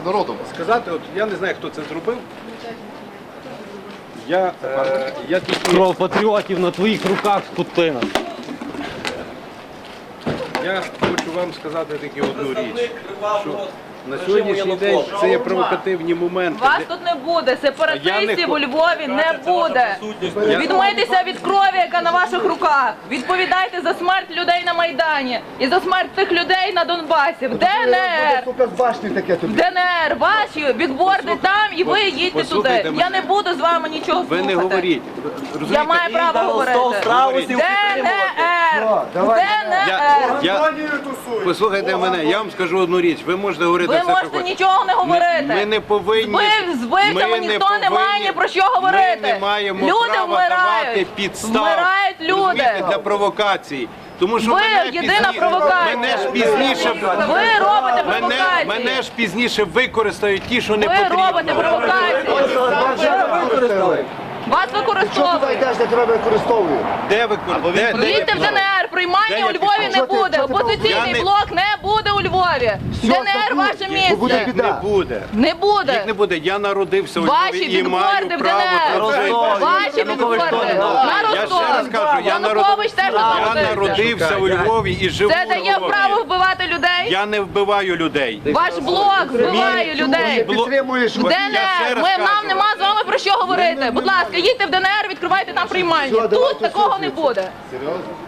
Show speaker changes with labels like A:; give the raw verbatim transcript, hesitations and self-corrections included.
A: народом.
B: Сказати, от я не знаю, хто це зробив. Я, е, я тільки...
C: Кров патріотів на твоїх руках, скотина.
B: Я хочу вам сказати таку одну річ, що на сьогоднішній день це є провокативні моменти.
D: Вас тут не буде, сепаратистів у Львові не буде. Відмийтеся від крові, яка на ваших руках. Відповідайте за смерть людей на Майдані і за смерть тих людей на Донбасі. В ДНР. В ДНР. Ваші бікборди там і ви їдьте туди. Я не буду з вами нічого
B: Ви не
D: слухати.
B: говоріть.
D: Я маю право говорити. ДНР. ДНР.
B: Я, послухайте мене, я вам скажу одну річ. Ви можете говорити
D: Ви
B: все, що
D: можете
B: хочете.
D: нічого не говорити.
B: Ми, ми не повинні...
D: Збив, збивцями
B: ми
D: ніхто не,
B: повинні-
D: має ні про що говорити.
B: Ми не маємо
D: люди
B: права
D: вмирають.
B: давати підстав,
D: Вмирають люди.
B: розумієте, для провокації. Тому що
D: Ви
B: мене
D: єдина
B: пізні-
D: провокація.
B: Мене ж пізніше...
D: Ви робите
B: Мене,
D: провокації.
B: мене ж пізніше використають ті, що не
D: Ви
B: потрібно.
D: робите провокації. Вас використовують.
A: йдеш, де тебе використовують.
B: Де використовують?
D: Їдьте в ДНР, приймання
B: Де
D: у
B: я
D: Львові
B: пішов?
D: не
A: Що ти-
D: буде.
A: що ти
D: Опозиційний
B: Я не-
D: блок не буде у Львові. ДНР ваше
A: Бо буде
D: місце.
A: біда.
B: Не буде.
D: Не
B: Їх
D: буде.
B: не буде. Я народився у
D: Ваші
B: Львові і маю
D: бікборди в
B: право
D: ДНР.
B: тут жити.
D: Ваші бікборди. На
B: Я ще раз
D: Ростов.
B: кажу, я, народ...
D: Янукович теж
B: я
D: народився.
B: народився у Львові і живу
D: Це
B: у
D: дає
B: Львові.
D: право вбивати людей.
B: Я не вбиваю людей.
D: Ваш блок вбиває людей.
A: Підтримуєш.
B: Я ще
D: ДНР,
B: раз
D: ми,
B: кажу.
D: нам нема з вами про що говорити. Будь ласка, їдьте в ДНР, відкривайте там приймання.
A: Все,
D: Тут
A: давайте
D: такого не
A: слухайте.
D: буде.
A: Серйозно?